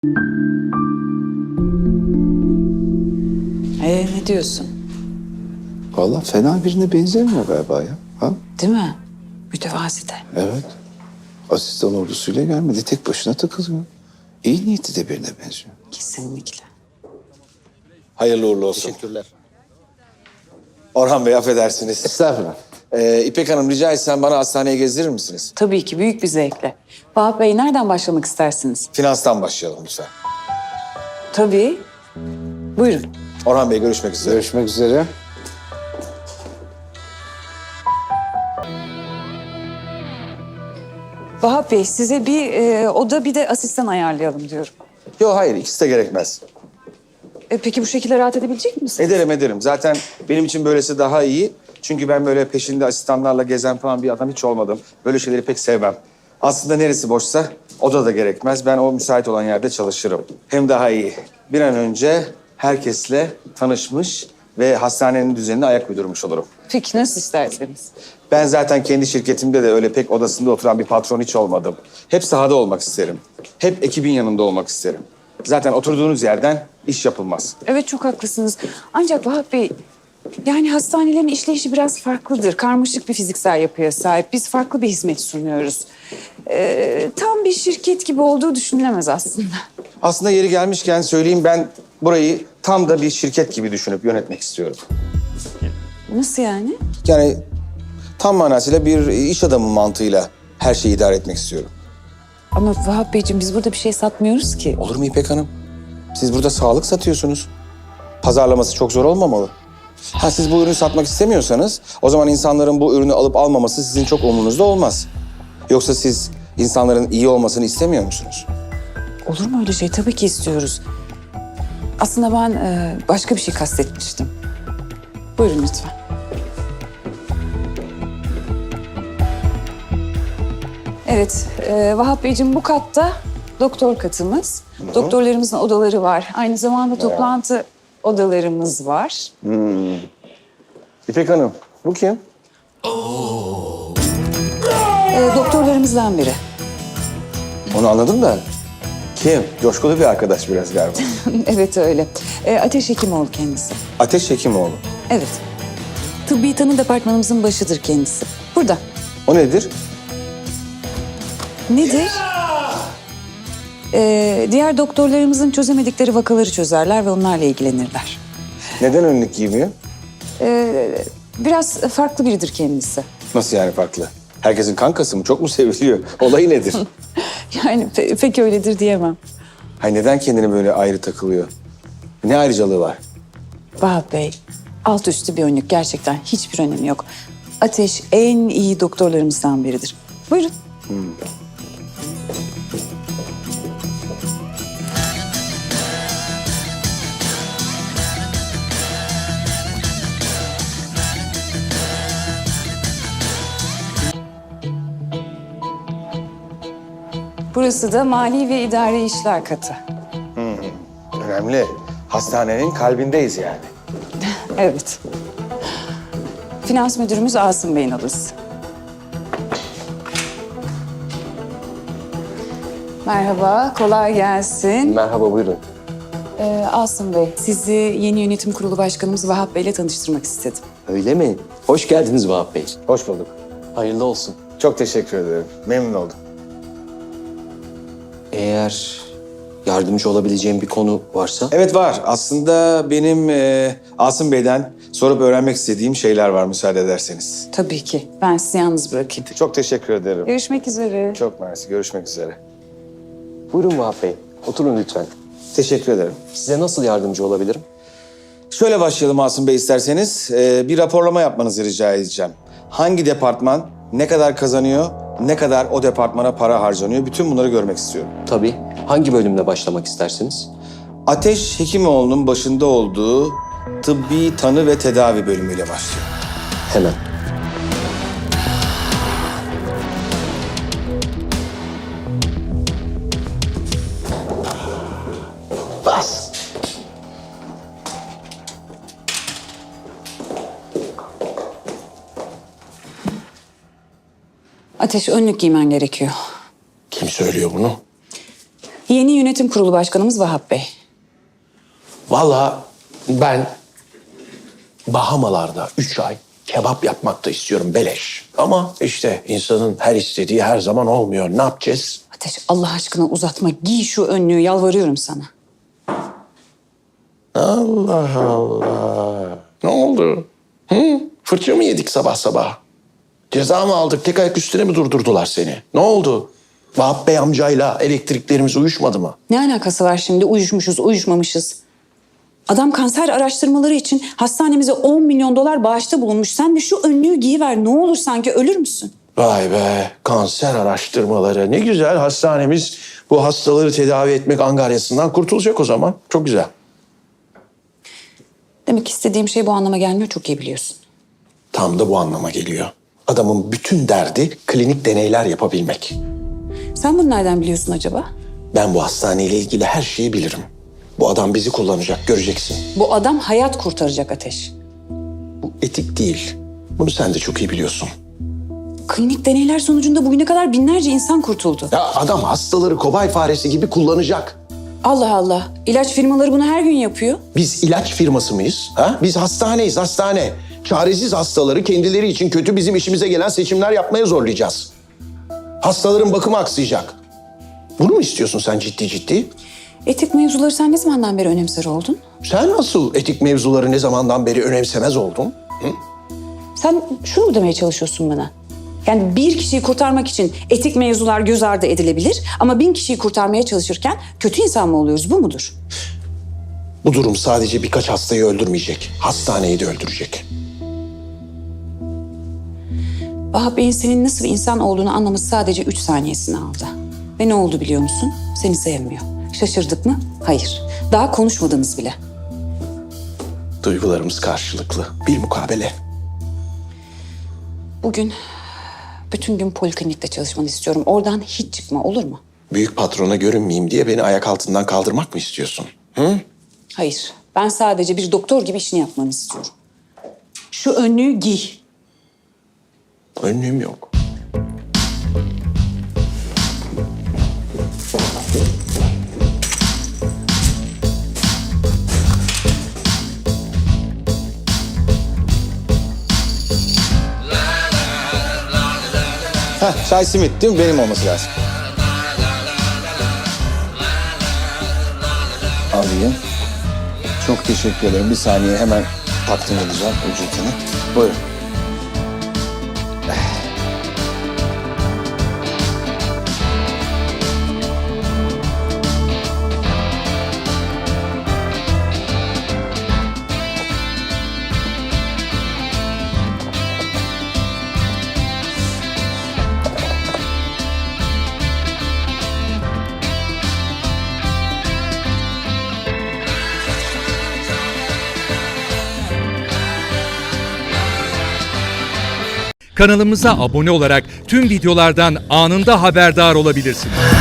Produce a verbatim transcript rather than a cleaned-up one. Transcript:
Ee, ne diyorsun? Vallahi fena birine benzemiyor galiba ya. Ha? Değil mi? Mütevazi de. Evet. Asistan ordusuyla gelmedi. Tek başına takılıyor. İyi niyetli de birine benziyor. Kesinlikle. Hayırlı uğurlu olsun. Teşekkürler. Orhan Bey affedersiniz. Estağfurullah. Ee, İpek Hanım rica etsem bana hastaneye gezdirir misiniz? Tabii ki büyük bir zevkle. Vahap Bey nereden başlamak istersiniz? Finanstan başlayalım lütfen. Tabii. Buyurun. Orhan Bey görüşmek üzere. Görüşmek üzere. Vahap Bey size bir e, oda bir de asistan ayarlayalım diyorum. Yok hayır ikisi de gerekmez. E, peki bu şekilde rahat edebilecek misiniz? Ederim ederim. Zaten benim için böylesi daha iyi. Çünkü ben böyle peşinde asistanlarla gezen falan bir adam hiç olmadım. Böyle şeyleri pek sevmem. Aslında neresi boşsa oda da gerekmez. Ben o müsait olan yerde çalışırım. Hem daha iyi. Bir an önce herkesle tanışmış ve hastanenin düzenine ayak uydurmuş olurum. Peki nasıl isterseniz. Ben zaten kendi şirketimde de öyle pek odasında oturan bir patron hiç olmadım. Hep sahada olmak isterim. Hep ekibin yanında olmak isterim. Zaten oturduğunuz yerden iş yapılmaz. Evet çok haklısınız. Ancak Vahap Bey yani hastanelerin işleyişi biraz farklıdır. Karmaşık bir fiziksel yapıya sahip. Biz farklı bir hizmet sunuyoruz. Ee, tam bir şirket gibi olduğu düşünülemez aslında. Aslında yeri gelmişken söyleyeyim, ben burayı tam da bir şirket gibi düşünüp yönetmek istiyorum. Nasıl yani? Yani tam manasıyla bir iş adamı mantığıyla her şeyi idare etmek istiyorum. Ama Vahap Beyciğim biz burada bir şey satmıyoruz ki. Olur mu İpek Hanım? Siz burada sağlık satıyorsunuz. Pazarlaması çok zor olmamalı. Ha siz bu ürünü satmak istemiyorsanız o zaman insanların bu ürünü alıp almaması sizin çok umurunuzda olmaz. Yoksa siz insanların iyi olmasını istemiyor musunuz? Olur mu öyle şey? Tabii ki istiyoruz. Aslında ben e, başka bir şey kastetmiştim. Buyurun lütfen. Evet, e, Vahap Beyciğim bu katta doktor katımız. Doktorlarımızın odaları var. Aynı zamanda toplantı odalarımız var. İpek Hanım, bu kim? E, doktorlarımızdan biri. Onu anladım da. Kim? Coşkulu bir arkadaş biraz galiba. Evet öyle. E, Ateş Hekimoğlu kendisi. Ateş Hekimoğlu. Evet. Tıbbi tanı departmanımızın başıdır kendisi. Burada. O nedir? Nedir? Ee, diğer doktorlarımızın çözemedikleri vakaları çözerler ve onlarla ilgilenirler. Neden önlük giymiyor? Ee, biraz farklı biridir kendisi. Nasıl yani farklı? Herkesin kankası mı? Çok mu seviliyor? Olayı nedir? Yani pe- pek öyledir diyemem. Hay neden kendini böyle ayrı takılıyor? Ne ayrıcalığı var? Vahap Bey, alt üstü bir önlük gerçekten hiçbir önemi yok. Ateş en iyi doktorlarımızdan biridir. Buyurun. Burası da mali ve idari işler katı. Önemli. Hastanenin kalbindeyiz yani. Evet. Finans müdürümüz Asım Bey'in odası. Merhaba, kolay gelsin. Merhaba, buyurun. Ee, Asım Bey, sizi yeni yönetim kurulu başkanımız Vahap Bey'le tanıştırmak istedim. Öyle mi? Hoş geldiniz Vahap Bey. Hoş bulduk. Hayırlı olsun. Çok teşekkür ederim. Memnun oldum. Eğer yardımcı olabileceğim bir konu varsa... Evet var. Aslında benim e, Asım Bey'den sorup öğrenmek istediğim şeyler var müsaade ederseniz. Tabii ki. Ben sizi yalnız bırakayım. Çok teşekkür ederim. Görüşmek üzere. Çok mersi. Görüşmek üzere. Buyurun Vahap Bey, oturun lütfen. Teşekkür ederim. Size nasıl yardımcı olabilirim? Şöyle başlayalım Asım Bey isterseniz. Ee, bir raporlama yapmanızı rica edeceğim. Hangi departman ne kadar kazanıyor, ne kadar o departmana para harcanıyor, bütün bunları görmek istiyorum. Tabii. Hangi bölümle başlamak istersiniz? Ateş Hekimoğlu'nun başında olduğu tıbbi tanı ve tedavi bölümüyle başlıyor. Hemen. Bas. Ateş önlük giymen gerekiyor. Kim söylüyor bunu? Yeni yönetim kurulu başkanımız Vahap Bey. Vallahi ben Bahamalarda üç ay kebap yapmak da istiyorum beleş. Ama işte insanın her istediği her zaman olmuyor. Ne yapacağız? Ateş, Allah aşkına uzatma. Giy şu önlüğü, yalvarıyorum sana. Allah Allah. Ne oldu? Hı? Fırça mı yedik sabah sabah? Ceza mı aldık? Tek ayak üstüne mi durdurdular seni? Ne oldu? Vahap Bey amcayla elektriklerimiz uyuşmadı mı? Ne alakası var şimdi? Uyuşmuşuz, uyuşmamışız. Adam kanser araştırmaları için hastanemize on milyon dolar bağışta bulunmuş. Sen de şu önlüğü giyiver. Ne olur, sanki ölür müsün? Vay be, kanser araştırmaları. Ne güzel, hastanemiz bu hastaları tedavi etmek angaryasından kurtulacak o zaman. Çok güzel. Demek istediğim şey bu anlama gelmiyor, çok iyi biliyorsun. Tam da bu anlama geliyor. Adamın bütün derdi klinik deneyler yapabilmek. Sen bunu nereden biliyorsun acaba? Ben bu hastaneyle ilgili her şeyi bilirim. Bu adam bizi kullanacak, göreceksin. Bu adam hayat kurtaracak Ateş. Bu etik değil. Bunu sen de çok iyi biliyorsun. Klinik deneyler sonucunda bugüne kadar binlerce insan kurtuldu. Ya adam hastaları kobay faresi gibi kullanacak. Allah Allah. İlaç firmaları bunu her gün yapıyor. Biz ilaç firması mıyız? Ha? Biz hastaneyiz, hastane. Çaresiz hastaları kendileri için kötü bizim işimize gelen seçimler yapmaya zorlayacağız. Hastaların bakımı aksayacak. Bunu mu istiyorsun sen ciddi ciddi? Etik mevzuları sen ne zamandan beri önemser oldun? Sen nasıl etik mevzuları ne zamandan beri önemsemez oldun? Sen şunu mu demeye çalışıyorsun bana? Yani bir kişiyi kurtarmak için etik mevzular göz ardı edilebilir ama bin kişiyi kurtarmaya çalışırken kötü insan mı oluyoruz? Bu mudur? Bu durum sadece birkaç hastayı öldürmeyecek. Hastaneyi de öldürecek. Vahap Bey'in senin nasıl bir insan olduğunu anlaması sadece üç saniyesini aldı. Ve ne oldu biliyor musun? Seni sevmiyor. Şaşırdık mı? Hayır. Daha konuşmadınız bile. Duygularımız karşılıklı. Bilmukabele. Bugün bütün gün poliklinikte çalışmanı istiyorum. Oradan hiç çıkma, olur mu? Büyük patrona görünmeyeyim diye beni ayak altından kaldırmak mı istiyorsun? Hı? Hayır. Ben sadece bir doktor gibi işini yapmanı istiyorum. Şu önlüğü giy. Önlüğüm yok. Heh, çay simit değil mi? Benim olması lazım. Alayım. Çok teşekkür ederim. Bir saniye hemen takdim edeceğim ücretini. Buyurun. Kanalımıza abone olarak tüm videolardan anında haberdar olabilirsiniz.